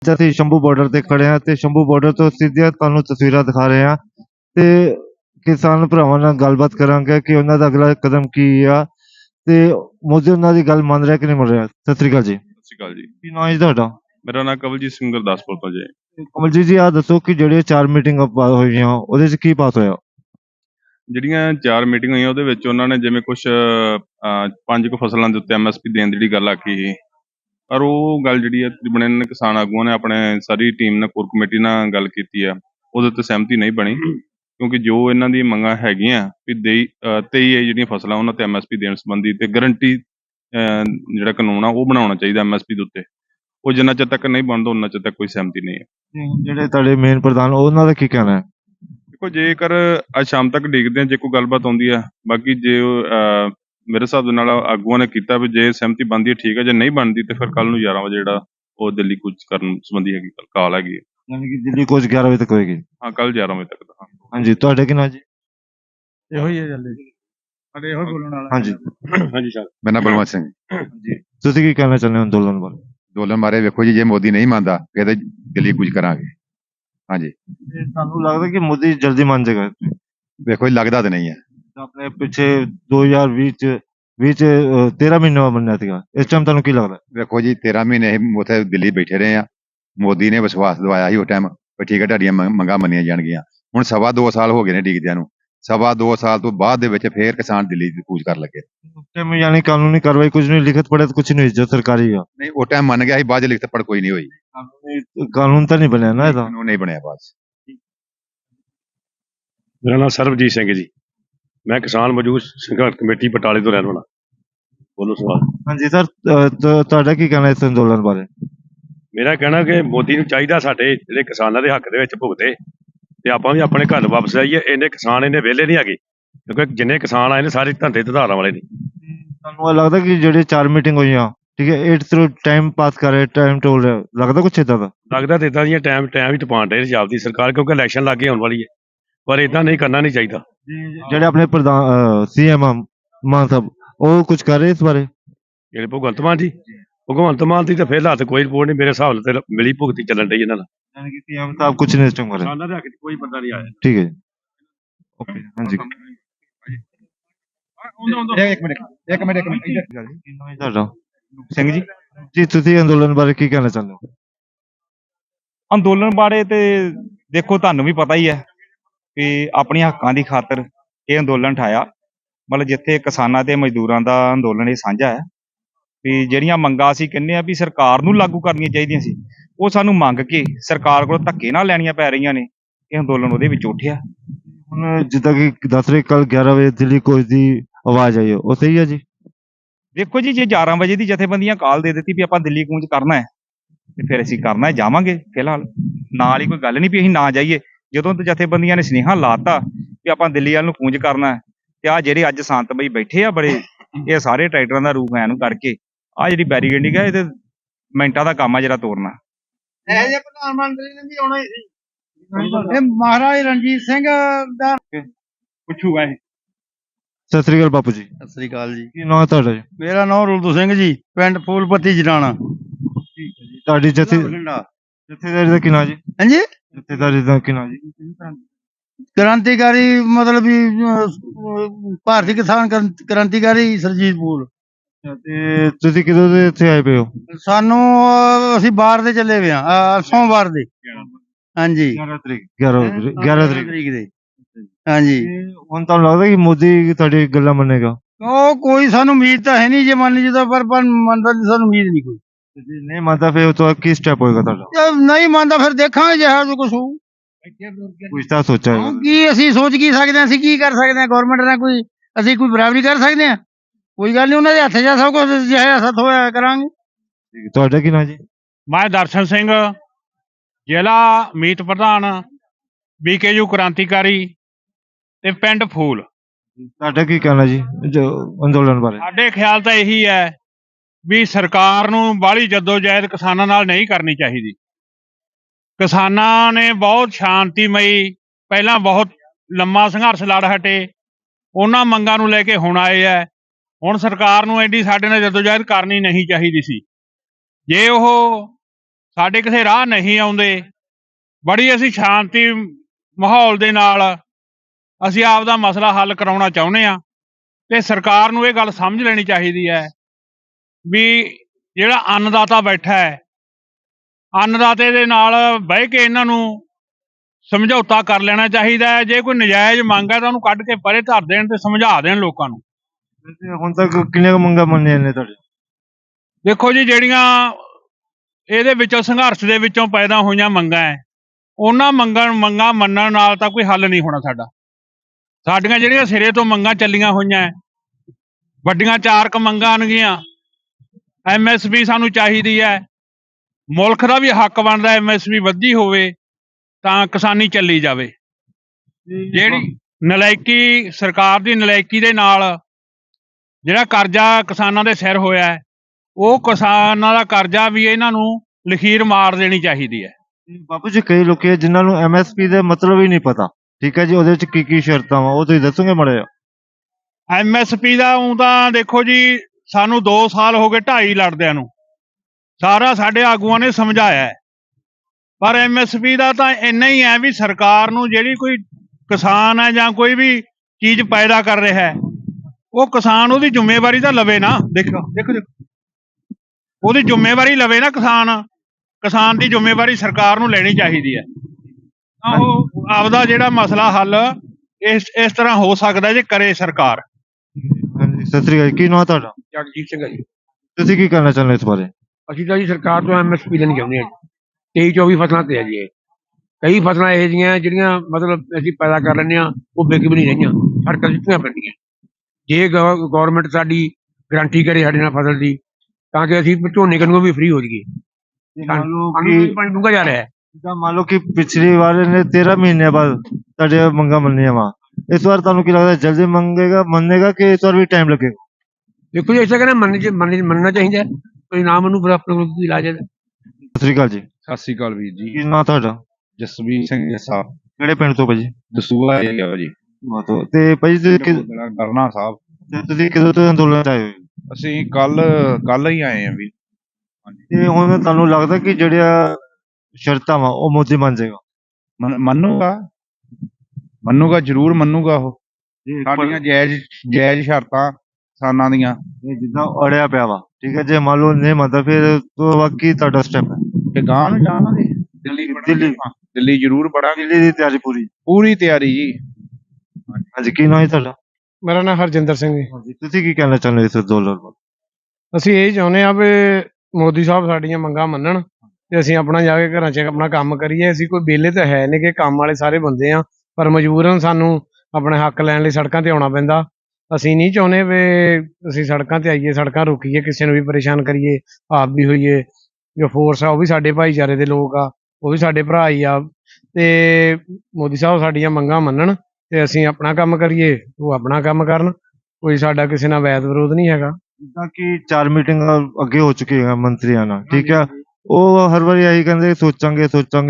ਅਸੀਂ ਸ਼ੰਭੂ ਬਾਰਡਰ ਤੇ ਖੜੇ ਹਾਂ ਤੇ ਸ਼ੰਭੂ ਬਾਰਡਰ ਤੋਂ ਸਿੱਧੀਆਂ ਤੁਹਾਨੂੰ ਤਸਵੀਰਾਂ ਦਿਖਾ ਰਹੇ ਹਾਂ ਤੇ ਕਿਸਾਨ ਭਰਾਵਾਂ ਨਾਲ ਗੱਲਬਾਤ ਕਰਾਂਗੇ ਕਿ ਉਹਨਾਂ ਦਾ ਅਗਲਾ ਕਦਮ ਕੀ ਆ ਤੇ ਮੋਦੀ ਉਹਨਾਂ ਦੀ ਗੱਲ ਮੰਨ ਰਿਹਾ ਕਿ ਨਹੀਂ ਮੰਨ ਰਿਹਾ। ਸਤਿ ਸ੍ਰੀ ਅਕਾਲ ਜੀ। ਸਤਿ ਸ਼੍ਰੀ ਅਕਾਲ ਜੀ। ਕੀ ਨਾਮ ਹੈ ਜੀ ਤੁਹਾਡਾ? ਮੇਰਾ ਨਾਮ ਕਵਲਜੀਤ ਸਿੰਘ ਗੁਰਦਾਸਪੁਰ ਤੋਂ ਜੀ। ਕਮਲਜੀਤ ਜੀ, ਆਹ ਦੱਸੋ ਕਿ ਜਿਹੜੀਆਂ 4 ਮੀਟਿੰਗਾਂ ਹੋਈਆਂ ਉਹਦੇ 'ਚ ਕੀ ਪਾਸ ਹੋਇਆ? ਜਿਹੜੀਆਂ 4 ਮੀਟਿੰਗ ਹੋਈਆਂ ਉਹਦੇ ਵਿੱਚ ਉਹਨਾਂ ਨੇ ਜਿਵੇਂ ਕੁਛ 5 ਕੁ ਫਸਲਾਂ ਦੇ ਉੱਤੇ MSP ਦੇਣ ਦੀ ਜਿਹੜੀ ਗੱਲ ਆਖੀ ਸੀ, ਪਰ ਉਹ ਗੱਲ ਜਿਹੜੀ ਹੈ ਤਕਰੀਬਨ ਇਹਨਾਂ ਕਿਸਾਨ ਆਗੂਆਂ ਨੇ ਆਪਣੇ ਸਾਰੀ ਟੀਮ ਨਾਲ ਕੋਰ ਕਮੇਟੀ ਨਾਲ ਗੱਲ ਕੀਤੀ ਆ, ਉਹਦੇ ਉੱਤੇ ਸਹਿਮਤੀ ਨਹੀਂ ਬਣੀ ਕਿਉਂਕਿ ਜੋ ਇਹਨਾਂ ਦੀ ਮੰਗਾਂ ਹੈਗੀਆਂ ਵੀ 23 ਜਿਹੜੀਆਂ ਫਸਲਾਂ ਉਹਨਾਂ ਤੇ MSP ਦੇਣ ਸੰਬੰਧੀ ਤੇ ਗਰੰਟੀ ਜਿਹੜਾ ਕਾਨੂੰਨ ਆ ਉਹ ਬਣਾਉਣਾ ਚਾਹੀਦਾ MSP ਦੇ ਉੱਤੇ, ਉਹ ਜਿੰਨਾ ਚਿਰ ਤੱਕ ਨਹੀਂ ਬਣਦਾ ਉਹਨਾਂ ਚਿਰ ਤੱਕ ਕੋਈ ਸਹਿਮਤੀ ਨਹੀਂ ਹੈ। ਜਿਹੜੇ ਤੁਹਾਡੇ ਮੇਨ ਪ੍ਰਧਾਨ ਉਹਨਾਂ ਦਾ ਕੀ ਕਹਿਣਾ ਹੈ? ਦੇਖੋ ਜੇਕਰ ਅੱਜ ਸ਼ਾਮ ਤੱਕ ਦੇਖਦੇ ਹਾਂ ਜੇ ਕੋਈ ਗੱਲਬਾਤ ਆਉਂਦੀ ਆ, ਬਾਕੀ ਜੇ ਮੇਰੇ ਹਿਸਾਬ ਦੇ ਨਾਲ ਆਗੂਆਂ ਨੇ ਕੀਤਾ ਵੀ ਜੇ ਸਹਿਮਤੀ ਬਣਦੀ ਹੈ ਠੀਕ ਹੈ, ਜੇ ਨਹੀਂ ਬਣਦੀ ਤੇ ਫਿਰ ਕੱਲ ਨੂੰ 11 ਵਜੇ ਜਿਹੜਾ ਉਹ ਦਿੱਲੀ ਕੂਚ ਕਰਨ ਸੰਬੰਧੀ ਹੈਗੀ ਕਾਲ ਹੈਗੀ ਹੈ। ਯਾਨੀ ਕਿ ਦਿੱਲੀ ਕੂਚ 11 ਵਜੇ ਤੱਕ ਹੋਏਗੀ? ਹਾਂ, ਕੱਲ 11 ਵਜੇ ਤੱਕ ਦਾ। ਹਾਂਜੀ, ਤੁਹਾਡੇ ਕੀ ਨਾਮ ਜੀ? ਇਹੋ ਹੀ ਹੈ ਗੱਲ ਜੀ, ਸਾਡੇ ਇਹੋ ਬੋਲਣ ਵਾਲਾ। ਹਾਂਜੀ ਹਾਂਜੀ ਸਰ। ਮੇਰਾ ਨਾਮ ਬਲਵੰਤ ਸਿੰਘ। ਜੀ, ਤੁਸੀਂ ਕੀ ਕਹਿਣਾ ਚਾਹੁੰਦੇ ਹੋ ਅੰਦੋਲਨ ਬਾਰੇ? ਅੰਦੋਲਨ ਬਾਰੇ ਵੇਖੋ ਜੀ, ਜੇ ਮੋਦੀ ਨਹੀਂ ਮੰਨਦਾ ਫਿਰ ਤੇ ਦਿੱਲੀ ਕੁਝ ਕਰਾਂਗੇ। ਹਾਂਜੀ, ਤੁਹਾਨੂੰ ਲੱਗਦਾ ਕਿ ਮੋਦੀ ਜਲਦੀ ਮੰਨ ਜਾਏਗਾ? ਵੇਖੋ ਜੀ, ਲੱਗਦਾ ਤਾਂ ਨਹੀਂ ਹੈ। ਆਪਣੇ ਪਿੱਛੇ 2020 ਚ 13 ਮਹੀਨੇ ਮੰਨਿਆ ਸੀਗਾ, ਇਸ ਟਾਈਮ ਤੁਹਾਨੂੰ ਕੀ ਲੱਗਦਾ? ਵੇਖੋ ਜੀ, 13 ਮਹੀਨੇ ਅਸੀਂ ਉੱਥੇ ਦਿੱਲੀ ਬੈਠੇ ਰਹੇ ਆ। ਮੋਦੀ ਨੇ ਵਿਸ਼ਵਾਸ ਦਿਵਾਇਆ ਸੀ ਉਸ ਟਾਈਮ ਵੀ ਠੀਕ ਹੈ ਤੁਹਾਡੀਆਂ ਮੰਗਾਂ ਮੰਨੀਆਂ ਜਾਣਗੀਆਂ। ਹੁਣ 2.25 ਸਾਲ ਹੋ ਗਏ ਨੇ ਡੀਕਦਿਆਂ ਨੂੰ। 2.25 ਸਾਲ ਤੋਂ ਬਾਅਦ ਦੇ ਵਿੱਚ ਫੇਰ ਕਿਸਾਨ ਦਿੱਲੀ ਦੀ ਕੂਚ ਕਰਨ ਲੱਗੇ। ਉਸ ਟਾਈਮ ਯਾਨੀ ਕਾਨੂੰਨੀ ਕਾਰਵਾਈ ਕੁਝ ਨਹੀਂ, ਲਿਖਤ ਪੜ੍ਹਤ ਕੁਝ ਨਹੀਂ ਹੋਈ ਜੋ ਸਰਕਾਰੀ ਆ? ਨਹੀਂ, ਉਸ ਟਾਈਮ ਮੰਨ ਗਿਆ ਸੀ, ਬਾਅਦ ਚ ਲਿਖਤ ਪੜ ਕੋਈ ਨਹੀਂ ਹੋਈ। ਕਾਨੂੰਨ ਤਾਂ ਨਹੀਂ ਬਣਿਆ ਨਾ ਇਹਦਾ? ਕਾਨੂੰਨ ਨਹੀਂ ਬਣਿਆ ਬਾਅਦ ਚ। ਮੇਰਾ ਨਾਮ ਸਰਬਜੀਤ ਸਿੰਘ ਜੀ, ਮੈਂ ਕਿਸਾਨ ਮਜ਼ਦੂਰ ਸੰਘਰਸ਼ ਕਮੇਟੀ ਬਟਾਲੇ ਤੋਂ ਰਹਿਣ ਵਾਲਾ। ਬੋਲੋ ਸਵਾਲ। ਹਾਂਜੀ ਸਰ, ਤੁਹਾਡਾ ਕੀ ਕਹਿਣਾ ਇਸ ਅੰਦੋਲਨ ਬਾਰੇ? ਮੇਰਾ ਕਹਿਣਾ ਕਿ ਮੋਦੀ ਨੂੰ ਚਾਹੀਦਾ ਸਾਡੇ ਜਿਹੜੇ ਕਿਸਾਨਾਂ ਦੇ ਹੱਕ ਦੇ ਵਿੱਚ ਭੁਗਤੇ ਤੇ ਆਪਾਂ ਵੀ ਆਪਣੇ ਘਰ ਵਾਪਸ ਆਈਏ। ਇਹਨੇ ਕਿਸਾਨ ਇਹਨੇ ਵਿਹਲੇ ਨਹੀਂ ਹੈਗੇ, ਕਿਉਂਕਿ ਜਿੰਨੇ ਕਿਸਾਨ ਆਏ ਨੇ ਸਾਰੇ ਧੰਦੇ ਧਾਰਾਂ ਵਾਲੇ ਨੇ। ਤੁਹਾਨੂੰ ਇਹ ਲੱਗਦਾ ਕਿ ਜਿਹੜੇ 4 ਮੀਟਿੰਗ ਹੋਈਆਂ ਠੀਕ ਹੈ ਇਹ ਸਿਰਫ ਟਾਈਮ ਪਾਸ ਕਰ ਰਹੇ, ਟਾਈਮ ਟੋਲ ਰਿਹਾ, ਲੱਗਦਾ ਕੁਛ ਏਦਾਂ ਦਾ? ਲੱਗਦਾ ਤੇ ਇਦਾਂ ਦੀਆਂ ਟਾਈਮ ਹੀ ਟਪਾਉਣ ਡੇ ਪੰਜਾਬ ਦੀ ਸਰਕਾਰ, ਕਿਉਂਕਿ ਇਲੈਕਸ਼ਨ ਲਾਗੇ ਆਉਣ ਵਾਲੀ ਹੈ। ਪਰ ਇਦਾਂ ਨਹੀਂ ਕਰਨਾ ਨਹੀਂ ਚਾਹੀਦਾ। ਜਿਹੜੇ ਆਪਣੇ ਪ੍ਰਧਾਨ CM ਮਾਨ ਸਾਹਿਬ ਉਹ ਕੁਝ ਕਰ ਰਹੇ ਇਸ ਬਾਰੇ? ਜਿਹੜੇ ਭਗਵੰਤ ਮਾਨ ਜੀ, ਭਗਵੰਤ ਮਾਨ ਦੀ ਤਾਂ ਫਿਰ ਹਾਲਤ ਕੋਈ ਰਿਪੋਰਟ ਨਹੀਂ ਮੇਰੇ ਹਿਸਾਬ ਨਾਲ ਤੇ ਮਿਲੀ ਭੁਗਤੀ ਚੱਲਣ ਡਈ ਇਹਨਾਂ ਨਾਲ। ਯਾਨੀ ਕਿ CM ਸਾਹਿਬ ਕੁਝ ਨਹੀਂ ਇਸ ਟਾਈਮ ਕਰ ਰਹੇ? ਕਿਸਾਨਾਂ ਦੇ ਹੱਕ 'ਚ ਕੋਈ ਬੰਦਾ ਨਹੀਂ ਆਇਆ। ਠੀਕ ਹੈ ਜੀ, ਓਕੇ। ਹਾਂਜੀ, ਇੱਕ ਮਿੰਟ ਤੁਹਾਡਾ ਸਿੰਘ ਜੀ, ਜੀ, ਤੁਸੀਂ ਅੰਦੋਲਨ ਬਾਰੇ ਕੀ ਕਹਿਣਾ ਚਾਹੁੰਦੇ ਹੋ? ਅੰਦੋਲਨ ਬਾਰੇ ਤੇ ਦੇਖੋ ਤੁਹਾਨੂੰ ਵੀ ਪਤਾ ਹੀ ਹੈ ਕਿ ਆਪਣੀ ਹੱਕਾਂ ਦੀ ਖਾਤਰ ਇਹ ਅੰਦੋਲਨ ਠਾਇਆ। ਮਤਲਬ ਜਿੱਥੇ ਕਿਸਾਨਾਂ ਤੇ ਮਜ਼ਦੂਰਾਂ ਦਾ ਅੰਦੋਲਨ ਇਹ ਸਾਂਝਾ ਹੈ ਵੀ ਜਿਹੜੀਆਂ ਮੰਗਾਂ ਅਸੀਂ ਕਹਿੰਦੇ ਆ ਵੀ ਸਰਕਾਰ ਨੂੰ ਲਾਗੂ ਕਰਨੀਆਂ ਚਾਹੀਦੀਆਂ ਸੀ, ਉਹ ਸਾਨੂੰ ਮੰਗ ਕੇ ਸਰਕਾਰ ਕੋਲੋਂ ਧੱਕੇ ਨਾਲ ਲੈਣੀਆਂ ਪੈ ਰਹੀਆਂ ਨੇ। ਇਹ ਅੰਦੋਲਨ ਉਹਦੇ ਵਿੱਚ ਉੱਠਿਆ। ਹੁਣ ਜਿੱਦਾਂ ਕਿ ਦੱਸ ਰਹੇ ਕੱਲ 11 ਵਜੇ ਦਿੱਲੀ ਕੂਚ ਦੀ ਆਵਾਜ਼ ਆਈ ਹੈ, ਉਹ ਸਹੀ ਹੈ ਜੀ? ਦੇਖੋ ਜੀ, ਜੇ 11 ਵਜੇ ਦੀ ਜਥੇਬੰਦੀਆਂ ਕਾਲ ਦੇ ਦਿੱਤੀ ਵੀ ਆਪਾਂ ਦਿੱਲੀ ਕੂਚ ਕਰਨਾ ਹੈ ਤੇ ਫਿਰ ਅਸੀਂ ਕਰਨਾ ਹੈ, ਜਾਵਾਂਗੇ। ਫਿਲਹਾਲ ਨਾਲ ਹੀ ਕੋਈ ਗੱਲ ਨਹੀਂ ਵੀ ਅਸੀਂ ਨਾ ਜਾਈਏ। ਜਦੋਂ ਤੇ ਜਥੇਬੰਦੀਆਂ ਨੇ ਸੁਨੇਹਾ ਲਾਤਾ ਵੀ ਆਪਾਂ ਦਿੱਲੀ ਵੱਲ ਨੂੰ ਕੂਚ ਕਰਨਾ ਹੈ ਤੇ ਆਹ ਜਿਹੜੇ ਅੱਜ ਸੰਤ ਬਈ ਬੈਠੇ ਆ ਬੜੇ, ਇਹ ਸਾਰੇ ਟਰੈਕਟਰਾਂ ਦਾ ਰੂਪ ਐਨ ਕਰਕੇ ਆਹ ਜਿਹੜੀ ਬੈਰੀਕੇਡਿੰਗ ਹੈ ਇਹ ਤੇ ਮਿੰਟਾਂ ਦਾ ਕੰਮ ਆ ਜਿਹੜਾ ਤੋੜਨਾ। ਇਹ ਜੇ ਪ੍ਰਧਾਨ ਮੰਤਰੀ ਨੇ ਵੀ ਆਉਣਾ ਹੀ ਸੀ, ਇਹ ਮਹਾਰਾਜ ਰਣਜੀਤ ਸਿੰਘ ਦਾ ਪੁੱਛੂਗਾ ਇਹ। ਸਤਿ ਸ੍ਰੀ ਅਕਾਲ ਬਾਪੂ ਜੀ। ਸਤਿ ਸ੍ਰੀ ਅਕਾਲ ਜੀ। ਕੀ ਨਾਮ ਹੈ ਤੁਹਾਡਾ ਜੀ? ਮੇਰਾ ਨਾਮ ਰੁਲਦੂ ਸਿੰਘ ਜੀ, ਪਿੰਡ ਫੂਲਪੱਤੀ ਜਟਾਣਾ। ਤੁਹਾਡੀ ਬਠਿੰਡਾ। ਜਥੇਦਾਰੀ ਦਾ ਕੀ ਨਾਮ ਜੀ? ਹਾਂਜੀ, ਜਥੇਦਾਰੀ ਦਾ ਕੀ ਨਾਮ ਜੀ? ਕ੍ਰਾਂਤੀਕਾਰੀ ਮਤਲਬ ਵੀ ਭਾਰਤੀ ਕਿਸਾਨ ਕ੍ਰਾਂਤੀਕਾਰੀ ਸਰਜੀਤ ਪੂਲ। ਤੇ ਤੁਸੀਂ ਕਿਦੋਂ ਦੇ ਇੱਥੇ ਆਏ ਪਏ ਹੋ? ਸਾਨੂੰ ਅਸੀਂ ਬਾਹਰ ਦੇ ਚੱਲੇ ਵੇ ਆ, ਸੋਮਵਾਰ ਦੇ। ਹਾਂਜੀ, 11 ਤਰੀਕ ਤਰੀਕ ਦੇ। ਹਾਂਜੀ, ਹੁਣ ਤੁਹਾਨੂੰ ਲੱਗਦਾ ਕਿ ਮੋਦੀ ਤੁਹਾਡੀ ਗੱਲਾਂ ਮੰਨੇਗਾ? ਉਹ ਕੋਈ ਸਾਨੂੰ ਉਮੀਦ ਤਾਂ ਹੈ ਨਹੀਂ ਜੇ ਮੰਨ ਜਦੋਂ, ਪਰ ਮੰਨਦਾ ਨਹੀਂ, ਸਾਨੂੰ ਉਮੀਦ ਨਹੀਂ ਕੋਈ। ਜੇ ਨਹੀਂ ਮੰਨਦਾ ਫਿਰ ਉਹ ਤੋਂ ਕੀ ਸਟੈਪ ਹੋਏਗਾ ਤੁਹਾਡਾ? ਜੇ ਨਹੀਂ ਮੰਨਦਾ ਫਿਰ ਦੇਖਾਂਗੇ ਜਿਹੜਾ ਜੋ ਕੁਛ ਹੋਊ। ਕੁਝ ਤਾਂ ਸੋਚਿਆ ਹੋਏਗਾ। ਕੀ ਅਸੀਂ ਸੋਚ ਕੀ ਸਕਦੇ ਹਾਂ? ਅਸੀਂ ਕੀ ਕਰ ਸਕਦੇ ਹਾਂ? ਗਵਰਨਮੈਂਟ ਨਾਲ ਕੋਈ ਅਸੀਂ ਕੋਈ ਬਰਾਬਰੀ ਕਰ ਸਕਦੇ ਹਾਂ? ਕੋਈ ਗੱਲ ਨਹੀਂ, ਉਹਨਾਂ ਦੇ ਹੱਥ 'ਚ ਸਭ ਕੁਝ ਜਿਹੜਾ ਸੱਤ ਹੋਇਆ ਕਰਾਂਗੇ। ਤੁਹਾਡਾ ਕੀ ਨਾਮ ਜੀ? ਮੈਂ ਦਰਸ਼ਨ ਸਿੰਘ, ਜ਼ਿਲ੍ਹਾ ਮੀਤ ਪ੍ਰਧਾਨ, BKU ਕ੍ਰਾਂਤੀਕਾਰੀ ਤੇ ਪਿੰਡ ਫੂਲ। ਤੁਹਾਡਾ ਕੀ ਕਹਿਣਾ ਜੀ ਜੋ ਅੰਦੋਲਨ ਬਾਰੇ? ਸਾਡੇ ਖਿਆਲ ਤਾਂ ਇਹੀ ਹੈ ਵੀ ਸਰਕਾਰ ਨੂੰ ਬਾਹਲੀ ਜੱਦੋਜਹਿਦ ਕਿਸਾਨਾਂ ਨਾਲ ਨਹੀਂ ਕਰਨੀ ਚਾਹੀਦੀ। ਕਿਸਾਨਾਂ ਨੇ ਬਹੁਤ ਸ਼ਾਂਤੀਮਈ ਪਹਿਲਾਂ ਬਹੁਤ ਲੰਮਾ ਸੰਘਰਸ਼ ਲੜ ਹਟੇ, ਉਹਨਾਂ ਮੰਗਾਂ ਨੂੰ ਲੈ ਕੇ ਹੁਣ ਆਏ ਹੈ। ਹੁਣ ਸਰਕਾਰ ਨੂੰ ਐਡੀ ਸਾਡੇ ਨਾਲ ਜੱਦੋਜਹਿਦ ਕਰਨੀ ਨਹੀਂ ਚਾਹੀਦੀ ਸੀ। ਜੇ ਉਹ ਸਾਡੇ ਕਿਸੇ ਰਾਹ ਨਹੀਂ ਆਉਂਦੇ। ਬੜੀ ਅਸੀਂ ਸ਼ਾਂਤੀ ਮਾਹੌਲ ਦੇ ਨਾਲ ਅਸੀਂ ਆਪ ਦਾ ਮਸਲਾ ਹੱਲ ਕਰਾਉਣਾ ਚਾਹੁੰਦੇ ਹਾਂ ਤੇ ਸਰਕਾਰ ਨੂੰ ਇਹ ਗੱਲ ਸਮਝ ਲੈਣੀ ਚਾਹੀਦੀ ਹੈ ਵੀ ਜਿਹੜਾ ਅੰਨਦਾਤਾ ਬੈਠਾ ਹੈ, ਅੰਨਦਾਤੇ ਦੇ ਨਾਲ ਬਹਿ ਕੇ ਇਹਨਾਂ ਨੂੰ ਸਮਝੌਤਾ ਕਰ ਲੈਣਾ ਚਾਹੀਦਾ ਹੈ। ਜੇ ਕੋਈ ਨਜਾਇਜ਼ ਮੰਗ ਹੈ ਤਾਂ ਉਹਨੂੰ ਕੱਢ ਕੇ ਪਰੇ ਧਰ ਦੇਣ ਤੇ ਸਮਝਾ ਦੇਣ ਲੋਕਾਂ ਨੂੰ। ਵੈਸੇ ਹੁਣ ਤੱਕ ਕਿੰਨੀਆਂ ਕੁ ਮੰਗਾਂ ਮੰਨੀਆਂ ਨੇ ਤੁਹਾਡੇ? ਦੇਖੋ ਜੀ, ਜਿਹੜੀਆਂ ਇਹਦੇ ਵਿੱਚੋਂ ਸੰਘਰਸ਼ ਦੇ ਵਿੱਚੋਂ ਪੈਦਾ ਹੋਈਆਂ ਮੰਗਾਂ ਹੈ, ਉਹਨਾਂ ਮੰਗਾਂ ਮੰਨਣ ਨਾਲ ਤਾਂ ਕੋਈ ਹੱਲ ਨਹੀਂ ਹੋਣਾ ਸਾਡਾ। ਸਾਡੀਆਂ ਜਿਹੜੀਆਂ ਸਿਰੇ ਤੋਂ ਮੰਗਾਂ ਚੱਲੀਆਂ ਹੋਈਆਂ ਹੈ, ਵੱਡੀਆਂ 4 ਕੁ ਮੰਗਾਂ ਆਣਗੀਆਂ। MSP ਸਾਨੂੰ ਚਾਹੀਦੀ ਹੈ, ਮੁਲਕ ਦਾ ਵੀ ਹੱਕ ਬਣਦਾ MSP ਵਧੀ ਹੋਵੇ ਤਾਂ ਕਿਸਾਨੀ ਚੱਲੀ ਜਾਵੇ। ਜਿਹੜੀ ਨਲਾਇਕੀ, ਸਰਕਾਰ ਦੀ ਨਲਾਇਕੀ ਦੇ ਨਾਲ ਜਿਹੜਾ ਕਰਜ਼ਾ ਕਿਸਾਨਾਂ ਦੇ ਸਿਰ ਹੋਇਆ ਹੈ, ਉਹ ਕਿਸਾਨਾਂ ਦਾ ਕਰਜ਼ਾ ਵੀ ਇਹਨਾਂ ਨੂੰ ਲਖੀਰ ਮਾਰ ਦੇਣੀ ਚਾਹੀਦੀ ਹੈ। ਬਾਪੂ ਜੀ, ਕਈ ਲੋਕ ਹੈ ਜਿਨ੍ਹਾਂ ਨੂੰ MSP ਦਾ ਮਤਲਬ ਹੀ ਨਹੀਂ ਪਤਾ, ਠੀਕ ਹੈ ਜੀ, ਉਹਦੇ ਵਿੱਚ ਕੀ ਕੀ ਸ਼ਰਤਾਂ ਵਾ ਉਹ ਤੁਸੀਂ ਦੱਸੋਗੇ ਮਾੜਾ ਜਿਹਾ? MSP ਦਾ ਊਂ ਤਾਂ ਦੇਖੋ ਜੀ, ਸਾਨੂੰ 2 ਸਾਲ ਹੋ ਗਏ 2.5 ਲੜਦਿਆਂ ਨੂੰ। ਸਾਰਾ ਸਾਡੇ ਆਗੂਆਂ ਨੇ ਸਮਝਾਇਆ ਹੈ, ਪਰ MSP ਦਾ ਤਾਂ ਇੰਨਾ ਹੀ ਹੈ ਵੀ ਸਰਕਾਰ ਨੂੰ ਜਿਹੜੀ ਕੋਈ ਕਿਸਾਨ ਹੈ ਜਾਂ ਕੋਈ ਵੀ ਚੀਜ਼ ਪੈਦਾ ਕਰ ਰਿਹਾ ਹੈ, ਉਹ ਕਿਸਾਨ ਉਹਦੀ ਜ਼ਿੰਮੇਵਾਰੀ ਤਾਂ ਲਵੇ ਨਾ। ਦੇਖੋ ਉਹਦੀ ਜ਼ਿੰਮੇਵਾਰੀ ਲਵੇ ਨਾ ਕਿਸਾਨ ਦੀ ਜ਼ਿੰਮੇਵਾਰੀ ਸਰਕਾਰ ਨੂੰ ਲੈਣੀ ਚਾਹੀਦੀ ਹੈ। ਤਾਂ ਉਹ ਆਪਦਾ ਜਿਹੜਾ ਮਸਲਾ ਹੱਲ ਇਸ ਤਰ੍ਹਾਂ ਹੋ ਸਕਦਾ ਜੇ ਕਰੇ ਸਰਕਾਰ। ਹਾਂਜੀ, ਸਤਿ ਸ੍ਰੀ ਅਕਾਲ। ਕੀ ਨਾਂ ਤੁਹਾਡਾ? ਜਗਜੀਤ ਸਿੰਘ ਹੈ ਜੀ। ਤੁਸੀਂ ਕੀ ਕਹਿਣਾ ਚਾਹੁੰਦੇ ਇਸ ਬਾਰੇ? ਅਸੀਂ ਤਾਂ ਜੀ ਸਰਕਾਰ ਤੋਂ MSP ਲੈਣੀ ਚਾਹੁੰਦੇ ਹਾਂ ਜੀ। 23-24 ਫਸਲਾਂ ਤੇ ਹੈ ਜੀ ਇਹ। ਕਈ ਫਸਲਾਂ ਇਹੋ ਜਿਹੀਆਂ ਜਿਹੜੀਆਂ ਮਤਲਬ ਅਸੀਂ ਪੈਦਾ ਕਰ ਲੈਂਦੇ ਹਾਂ, ਉਹ ਵਿਕ ਵੀ ਨਹੀਂ ਰਹੀਆਂ, ਸੜਕਾਂ ਦਿੱਤੀਆਂ ਪੈਂਦੀਆਂ। ਜੇ ਗੌਰਮੈਂਟ ਸਾਡੀ ਗਰੰਟੀ ਕਰੇ ਸਾਡੇ ਨਾਲ ਫਸਲ ਦੀ, ਤਾਂ ਕਿ ਅਸੀਂ ਝੋਨੇ ਕਣੋਂ ਵੀ ਫ੍ਰੀ ਹੋ ਜਾਈਏ। ਸਾਨੂੰ ਪਾਣੀ ਡੂੰਘਾ ਜਾ ਰਿਹਾ ਹੈ। ਜਿੱਦਾਂ ਮੰਨ ਲਓ ਕਿ ਪਿਛਲੀ ਵਾਰ ਇਹਨੇ 13 ਮਹੀਨਿਆਂ ਬਾਅਦ ਤੁਹਾਡੇ ਮੰਗਾਂ ਮੰਨੀਆਂ ਵਾ, ਇਸ ਵਾਰ ਤੁਹਾਨੂੰ ਕੀ ਲੱਗਦਾ ਜਲਦੀ ਮੰਨੇਗਾ ਕਿ ਇਸ ਵਾਰ ਵੀ ਟਾਈਮ ਲੱਗੇਗਾ? ਦੇਖੋ ਜੀ, ਐਸਾ ਕਹਿੰਦਾ ਮੰਨਣਾ ਚਾਹੀਦਾ। ਕੋਈ ਨਾ ਮੰਨੂ ਫਿਰ ਆਪਣੇ ਕੋਲ ਕੀ ਇਲਾਜ ਹੈ। ਸਤਿ ਸ੍ਰੀ ਅਕਾਲ ਜੀ। ਸਤਿ ਸ੍ਰੀ ਅਕਾਲ ਵੀਰ ਜੀ। ਕੀ ਨਾਂ ਤੁਹਾਡਾ? ਜਸਵੀਰ ਸਿੰਘ ਜੱਸਾ, ਕਿਹੜੇ ਪਿੰਡ ਤੋਂ ਭਾਜੀ? ਦਸੂਹਾ ਏਰੀਆ ਜੀ। ਤੇ ਭਾਜੀ ਕਰਨਾ ਸਾਹਿਬ, ਤੁਸੀਂ ਕਿਦੋਂ ਤੋਂ ਅੰਦੋਲਨ 'ਚ ਆਏ ਹੋ? ਅਸੀਂ ਕੱਲ ਹੀ ਆਏ ਆ ਵੀ। ਤੇ ਹੁਣ ਤੁਹਾਨੂੰ ਲੱਗਦਾ ਕਿ ਜਿਹੜੀਆਂ ਸ਼ਰਤਾਂ ਵਾ ਉਹ ਮੋਦੀ ਮੰਨ ਜਾਏਗਾ? ਮੰਨੂਗਾ ਜ਼ਰੂਰ ਮੰਨੂਗਾ। ਉਹ ਸਾਡੀਆਂ ਜਾਇਜ਼ ਸ਼ਰਤਾਂ ਕਿਸਾਨਾਂ ਦੀਆਂ ਇਹ ਜਿੱਦਾਂ ਅੜਿਆ ਪਿਆ ਵਾ, ਠੀਕ ਹੈ, ਜੇ ਮੰਨ ਲਓ ਨਹੀਂ ਮੰਨਦਾ ਫਿਰ ਤੋਂ ਬਾਕੀ ਤੁਹਾਡਾ ਸਟੈਪ ਹੈ ਤੇ ਗਾਂ ਨੂੰ ਜਾਵਾਂਗੇ ਦਿੱਲੀ ਜ਼ਰੂਰ ਪੜਾਂਗੇ। ਦਿੱਲੀ ਦੀ ਤਿਆਰੀ ਪੂਰੀ ਤਿਆਰੀ ਜੀ। ਹਾਂਜੀ, ਕੀ ਨਾਂ ਹੈ ਤੁਹਾਡਾ? ਮੇਰਾ ਨਾਮ ਹਰਜਿੰਦਰ ਸਿੰਘ ਜੀ। ਹਾਂਜੀ, ਤੁਸੀਂ ਕੀ ਕਹਿਣਾ ਚਾਹੁੰਦੇ ਹੋ ਇਸ ਅੰਦੋਲਨ ਬਾਰੇ? ਅਸੀਂ ਇਹ ਚਾਹੁੰਦੇ ਹਾਂ ਵੀ ਮੋਦੀ ਸਾਹਿਬ ਸਾਡੀਆਂ ਮੰਗਾਂ ਮੰਨਣ ਤੇ ਅਸੀਂ ਆਪਣਾ ਜਾ ਕੇ ਘਰਾਂ 'ਚ ਆਪਣਾ ਕੰਮ ਕਰੀਏ। ਅਸੀਂ ਕੋਈ ਵਿਹਲੇ ਤਾਂ ਹੈ ਨਹੀਂ ਕਿ ਕੰਮ ਵਾਲੇ ਸਾਰੇ ਬੰਦੇ ਆ, ਪਰ ਮਜਬੂਰਨ ਸਾਨੂੰ ਆਪਣੇ ਹੱਕ ਲੈਣ ਲਈ ਸੜਕਾਂ ਤੇ ਆਉਣਾ ਪੈਂਦਾ। ਅਸੀਂ ਨਹੀਂ ਚਾਹੁੰਦੇ ਵੀ ਅਸੀਂ ਸੜਕਾਂ ਤੇ ਆਈਏ, ਸੜਕਾਂ ਰੋਕੀਏ, ਕਿਸੇ ਨੂੰ ਵੀ ਪਰੇਸ਼ਾਨ ਕਰੀਏ, ਆਪ ਵੀ ਹੋਈਏ। ਜੋ ਫੋਰਸ ਆ ਉਹ ਵੀ ਸਾਡੇ ਭਾਈਚਾਰੇ ਦੇ ਲੋਕ ਆ, ਉਹ ਵੀ ਸਾਡੇ ਭਰਾ ਹੀ ਆ। ਤੇ ਮੋਦੀ ਸਾਹਿਬ ਸਾਡੀਆਂ ਮੰਗਾਂ ਮੰਨਣ ਤੇ ਅਸੀਂ ਆਪਣਾ ਕੰਮ ਕਰੀਏ, ਉਹ ਆਪਣਾ ਕੰਮ ਕਰਨ। ਕੋਈ ਸਾਡਾ ਕਿਸੇ ਨਾਲ ਵੈਰ ਵਿਰੋਧ ਨਹੀਂ ਹੈਗਾ। ਜਿੱਦਾਂ ਕਿ 4 ਮੀਟਿੰਗਾਂ ਅੱਗੇ ਹੋ ਚੁੱਕੀਆਂ ਮੰਤਰੀਆਂ ਨਾਲ, ਠੀਕ ਹੈ, ਉਹ ਹਰ ਵਾਰੀ ਆਹੀ ਕਹਿੰਦੇ ਸੋਚਾਂਗੇ।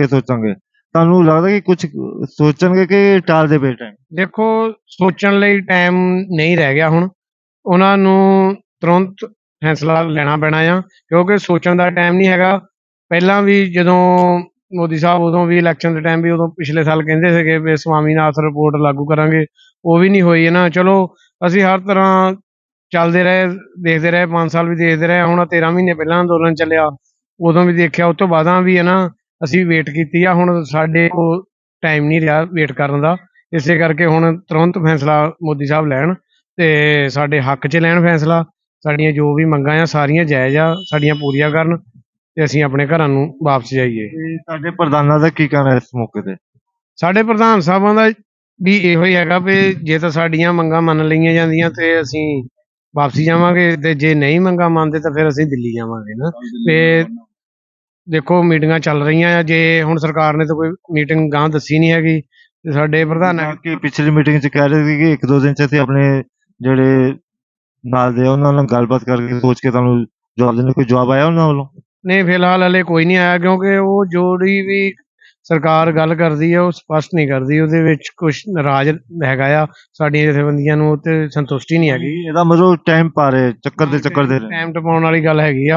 ਤੁਹਾਨੂੰ ਲੱਗਦਾ ਕਿ ਕੁਝ ਸੋਚਣਗੇ ਕਿ ਟਾਲਦੇ ਪਏ ਟਾਈਮ? ਦੇਖੋ, ਸੋਚਣ ਲਈ ਟਾਈਮ ਨਹੀਂ ਰਹਿ ਗਿਆ ਹੁਣ। ਉਹਨਾਂ ਨੂੰ ਤੁਰੰਤ ਫੈਸਲਾ ਲੈਣਾ ਪੈਣਾ ਆ, ਕਿਉਂਕਿ ਸੋਚਣ ਦਾ ਟਾਈਮ ਨਹੀਂ ਹੈਗਾ। ਪਹਿਲਾਂ ਵੀ ਜਦੋਂ ਮੋਦੀ ਸਾਹਿਬ ਉਦੋਂ ਵੀ ਇਲੈਕਸ਼ਨ ਦੇ ਟਾਈਮ ਵੀ ਉਦੋਂ ਪਿਛਲੇ ਸਾਲ ਕਹਿੰਦੇ ਸੀਗੇ ਵੀ ਸਵਾਮੀਨਾਥਨ ਰਿਪੋਰਟ ਲਾਗੂ ਕਰਾਂਗੇ, ਉਹ ਵੀ ਨਹੀਂ ਹੋਈ ਨਾ। ਚਲੋ ਅਸੀਂ ਹਰ ਤਰ੍ਹਾਂ ਚੱਲਦੇ ਰਹੇ, ਦੇਖਦੇ ਰਹੇ, 5 ਸਾਲ ਵੀ ਦੇਖਦੇ ਰਹੇ। ਹੁਣ 13 ਮਹੀਨੇ ਪਹਿਲਾਂ ਅੰਦੋਲਨ ਚੱਲਿਆ, ਉਦੋਂ ਵੀ ਦੇਖਿਆ, ਉਸ ਤੋਂ ਬਾਅਦਾਂ ਵੀ ਹੈ ਨਾ ਅਸੀਂ ਵੇਟ ਕੀਤੀ ਆ। ਹੁਣ ਸਾਡੇ ਕੋਲ ਟਾਈਮ ਨਹੀਂ ਰਿਹਾ ਵੇਟ ਕਰਨ ਦਾ, ਇਸੇ ਕਰਕੇ ਹੁਣ ਤੁਰੰਤ ਫੈਸਲਾ ਮੋਦੀ ਸਾਹਿਬ ਲੈਣ ਤੇ ਸਾਡੇ ਹੱਕ 'ਚ ਲੈਣ ਫੈਸਲਾ। ਸਾਡੀਆਂ ਜੋ ਵੀ ਮੰਗਾਂ ਆ ਸਾਰੀਆਂ ਜਾਇਜ਼ ਆ, ਸਾਡੀਆਂ ਪੂਰੀਆਂ ਕਰਨ ਤੇ ਅਸੀਂ ਆਪਣੇ ਘਰਾਂ ਨੂੰ ਵਾਪਸ ਜਾਈਏ। ਤੇ ਸਾਡੇ ਪ੍ਰਧਾਨਾਂ ਦਾ ਕੀ ਕਹਿਣਾ ਇਸ ਮੌਕੇ ਤੇ? ਸਾਡੇ ਪ੍ਰਧਾਨ ਸਾਹਿਬਾਂ ਦਾ ਵੀ ਇਹੋ ਹੀ ਹੈਗਾ ਵੀ ਜੇ ਤਾਂ ਸਾਡੀਆਂ ਮੰਗਾਂ ਮੰਨ ਲਈਆਂ ਜਾਂਦੀਆਂ ਤੇ ਅਸੀਂ ਵਾਪਸੀ ਜਾਵਾਂਗੇ, ਤੇ ਜੇ ਨਹੀਂ ਮੰਗਾਂ ਮੰਨਦੇ ਤਾਂ ਫਿਰ ਅਸੀਂ ਦਿੱਲੀ ਜਾਵਾਂਗੇ ਨਾ। ਤੇ ਦੇਖੋ, ਮੀਟਿੰਗਾਂ ਚੱਲ ਰਹੀਆਂ ਆ। ਜੇ ਹੁਣ ਸਰਕਾਰ ਨੇ ਤਾਂ ਕੋਈ ਮੀਟਿੰਗ ਗਾਂ ਦੱਸੀ ਨਹੀਂ ਹੈਗੀ ਤੇ ਸਾਡੇ ਪ੍ਰਧਾਨ ਕਿ ਪਿਛਲੀ ਮੀਟਿੰਗ 'ਚ ਕਹਿ ਰਹੇ ਸੀ ਕਿ 1-2 ਦਿਨ 'ਚ ਅਸੀਂ ਆਪਣੇ ਜਿਹੜੇ ਨਾਲ ਦੇ ਉਹਨਾਂ ਨਾਲ ਗੱਲਬਾਤ ਕਰਕੇ ਸੋਚ ਕੇ ਤੁਹਾਨੂੰ ਜਵਾਬ ਦੇਣਾ। ਕੋਈ ਜਵਾਬ ਆਇਆ ਉਹਨਾਂ ਵੱਲੋਂ? ਨਹੀਂ, ਫਿਲਹਾਲ ਹਲੇ ਕੋਈ ਨਹੀਂ ਆਇਆ, ਕਿਉਂਕਿ ਉਹ ਜਿਹੜੀ ਵੀ ਸਰਕਾਰ ਗੱਲ ਕਰਦੀ ਹੈ ਉਹ ਸਪਸ਼ਟ ਨਹੀਂ ਕਰਦੀ, ਉਹਦੇ ਵਿੱਚ ਕੁਛ ਨਾਰਾਜ਼ ਹੈਗਾ ਆ। ਸਾਡੀਆਂ ਜਥੇਬੰਦੀਆਂ ਨੂੰ ਤੇ ਸੰਤੁਸ਼ਟੀ ਨਹੀਂ ਹੈਗੀ। ਇਹਦਾ ਮਤਲਬ ਟਾਈਮ ਪਾ ਰਹੇ, ਚੱਕਰ ਦੇ ਰਹੇ। ਟਾਈਮ ਟਪਾਉਣ ਵਾਲੀ ਗੱਲ ਹੈਗੀ ਆ।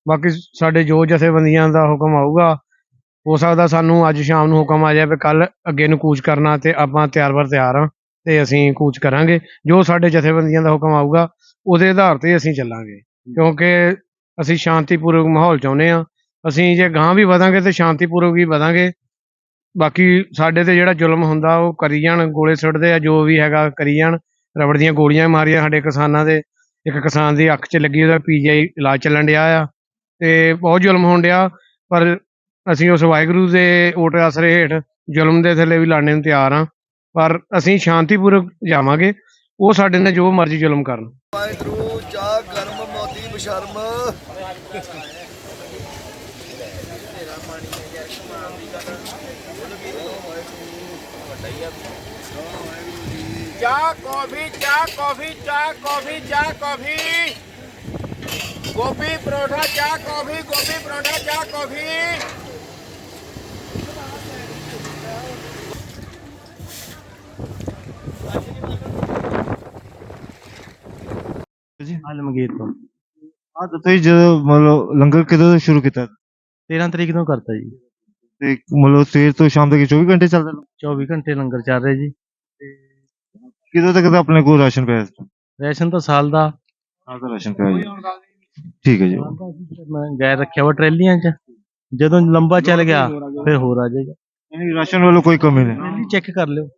ਬਾਕੀ ਸਾਡੇ ਜੋ ਜਥੇਬੰਦੀਆਂ ਦਾ ਹੁਕਮ ਆਊਗਾ, ਹੋ ਸਕਦਾ ਸਾਨੂੰ ਅੱਜ ਸ਼ਾਮ ਨੂੰ ਹੁਕਮ ਆ ਜਾਵੇ ਕੱਲ ਅੱਗੇ ਨੂੰ ਕੂਚ ਕਰਨਾ, ਤੇ ਆਪਾਂ ਤਿਆਰ ਹਾਂ ਤੇ ਅਸੀਂ ਕੂਚ ਕਰਾਂਗੇ। ਜੋ ਸਾਡੇ ਜਥੇਬੰਦੀਆਂ ਦਾ ਹੁਕਮ ਆਊਗਾ ਉਹਦੇ ਆਧਾਰ ਤੇ ਅਸੀਂ ਚੱਲਾਂਗੇ, ਕਿਉਂਕਿ ਅਸੀਂ ਸ਼ਾਂਤੀਪੂਰਵਕ ਮਾਹੌਲ ਚਾਹੁੰਦੇ ਹਾਂ। ਅਸੀਂ ਜੇ ਗਾਂਹ ਵੀ ਵਧਾਂਗੇ ਤੇ ਸ਼ਾਂਤੀਪੂਰਵਕ ਹੀ ਵਧਾਂਗੇ। ਬਾਕੀ ਸਾਡੇ ਤੇ ਜਿਹੜਾ ਜ਼ੁਲਮ ਹੁੰਦਾ ਉਹ ਕਰੀ ਜਾਣ, ਗੋਲੇ ਸੁੱਟਦੇ ਆ, ਜੋ ਵੀ ਹੈਗਾ ਕਰੀ ਜਾਣ। ਰਬੜ ਦੀਆਂ ਗੋਲੀਆਂ ਮਾਰੀਆਂ ਸਾਡੇ ਕਿਸਾਨਾਂ ਦੇ, ਇੱਕ ਕਿਸਾਨ ਦੀ ਅੱਖ 'ਚ ਲੱਗੀ, ਉਹਦਾ PGI ਇਲਾਜ ਚੱਲਣ ਡਿਆ ਆ, ਤੇ ਬਹੁਤ ਜ਼ੁਲਮ ਹੋਣ ਡਿਆ। ਪਰ ਅਸੀਂ ਉਸ ਵਾਹਿਗੁਰੂ ਦੇ ਓਟ ਆਸਰੇ ਹੇਠ ਜ਼ੁਲਮ ਦੇ ਥੱਲੇ ਵੀ ਲੜਨੇ ਨੂੰ ਤਿਆਰ ਹਾਂ, ਪਰ ਅਸੀਂ ਸ਼ਾਂਤੀਪੂਰਵਕ ਜਾਵਾਂਗੇ। ਉਹ ਸਾਡੇ ਨਾਲ ਜੋ ਮਰਜ਼ੀ ਜ਼ੁਲਮ ਕਰਨ। ਵਾਹਿਗੁਰੂ ਚਾਹ ਕਰਮ ਮੋਦੀ ਬਸ਼ਰਮ। ਚਾਹ ਕੌਫੀ ਚਾਹ ਕੌਫੀ ਚਾਹ ਕੌਫੀ ਚਾਹ ਕੌਫੀ, ਗੋਭੀ ਪਰੌਠਾ ਚਾਹ ਕੌਫੀ, ਗੋਭੀ ਪਰੌਠਾ ਚਾਹ ਕੌਫੀ। ਜੀ ਆਲਮਗੀਰ ਤੋਂ ਹਾਂ ਦੱਸੋ ਜੀ, ਜਦੋਂ ਮਤਲਬ ਲੰਗਰ ਕਦੋਂ ਤੋਂ ਸ਼ੁਰੂ ਕੀਤਾ 13 ਤਰੀਕ ਨੂੰ ਕਰਤਾ ਜੀ। ਤੇ ਮਤਲਬ ਸਵੇਰ ਤੋਂ ਸ਼ਾਮ ਤੱਕ 24 ਘੰਟੇ ਚੱਲਦਾ? 24 ਘੰਟੇ ਲੰਗਰ ਚੱਲ ਰਿਹਾ ਜੀ। ਕਿਦੋਂ ਤੱਕ ਦਾ ਆਪਣੇ ਕੋਲ ਰਾਸ਼ਨ ਪਿਆ? ਰੇਸ਼ਨ ਤਾਂ ਸਾਲ ਦਾ ਰਾਸ਼ਨ ਪਿਆ ਜੀ। ਠੀਕ ਹੈ ਜੀ। ਮੈਂ ਗੈਰ ਰੱਖਿਆ ਵਾ ਟਰੈਲੀਆਂ 'ਚ, ਜਦੋਂ ਲੰਬਾ ਚੱਲ ਗਿਆ ਫਿਰ ਹੋਰ ਆ ਜਾਏਗਾ। ਰਾਸ਼ਨ ਵੱਲੋਂ ਕੋਈ ਕਮੀ ਨਹੀਂ? ਚੈੱਕ ਕਰ ਲਿਓ।